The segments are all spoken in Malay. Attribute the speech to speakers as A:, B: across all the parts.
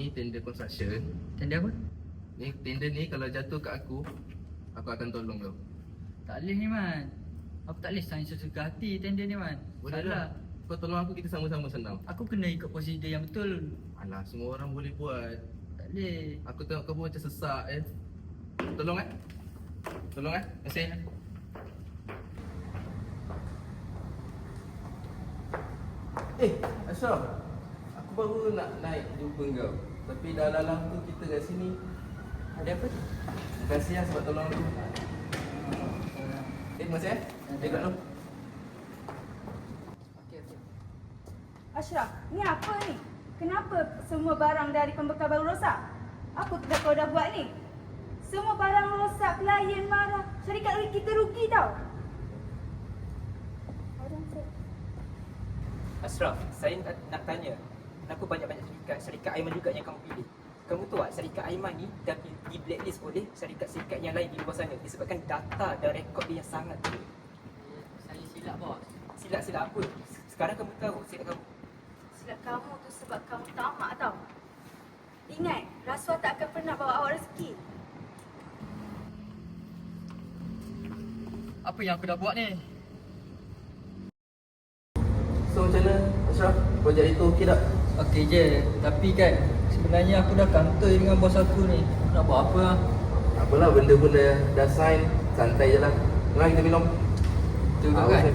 A: ni tender construction.
B: Tender apa?
A: Ni tender ni kalau jatuh kat aku akan tolong kau.
B: Tak boleh ni Man. Aku tak boleh sign sesuka hati tender ni Man.
A: Boleh
B: Salah.
A: lah. Kau tolong aku, kita sama-sama senang.
B: Aku kena ikut prosedur yang betul.
A: Alah, semua orang boleh buat.
B: Tak boleh.
A: Aku tengok kau pun macam sesak Tolong Tolong Kasih. Ashraf, aku baru nak naik jumpa kau. Tapi dah lalang tu kita kat sini.
B: Ada apa tu?
A: Terima kasih sebab tolong aku. Terima kasih Tengok dulu.
B: Okey.
C: Ashraf, ni apa ni? Kenapa semua barang dari pembekal baru rosak? Apa kau dah buat ni? Semua barang rosak, klien marah, syarikat kita rugi tau.
D: Ashraf, saya nak tanya, kenapa banyak-banyak syarikat Aiman juga yang kamu pilih? Kamu tahu tak, syarikat Aiman ni dah di blacklist oleh syarikat-syarikat yang lain di luar sana disebabkan data dan rekod dia yang sangat buruk.
B: Saya silap bos.
D: Silap-silap apa? Sekarang kamu tahu silap kamu.
C: Silap kamu tu sebab kamu tamak tau. Ingat, rasuah tak akan pernah bawa awak rezeki.
B: Apa yang aku dah buat ni?
A: So macam mana Ashraf? Projek itu okey tak?
B: Okey je. Tapi kan sebenarnya aku dah kantoi dengan bos aku ni. Nak buat apa lah?
A: Apalah, benda pun dah sign. Santai je lah. Mari kita minum.
B: Betul juga kan?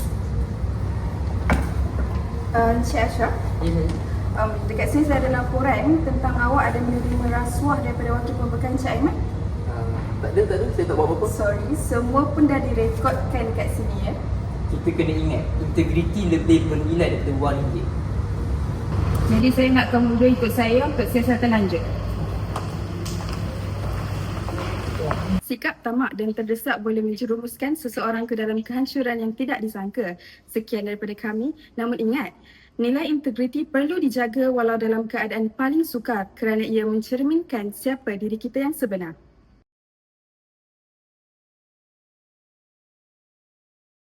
C: Encik Ashraf,
B: Ya.
C: dekat sini saya ada laporan tentang awak ada menerima rasuah daripada wakil pembekal Encik Aiman.
A: Tak ada. Saya tak buat apa-apa.
C: Sorry, semua pun dah direkodkan dekat sini ya.
D: Kita kena ingat, integriti lebih bernilai daripada wang ringgit.
C: Jadi saya nak kamu dua ikut saya untuk siasatan lanjut. Sikap tamak dan terdesak boleh menjerumuskan seseorang ke dalam kehancuran yang tidak disangka. Sekian daripada kami. Namun ingat, nilai integriti perlu dijaga walau dalam keadaan paling sukar kerana ia mencerminkan siapa diri kita yang sebenar.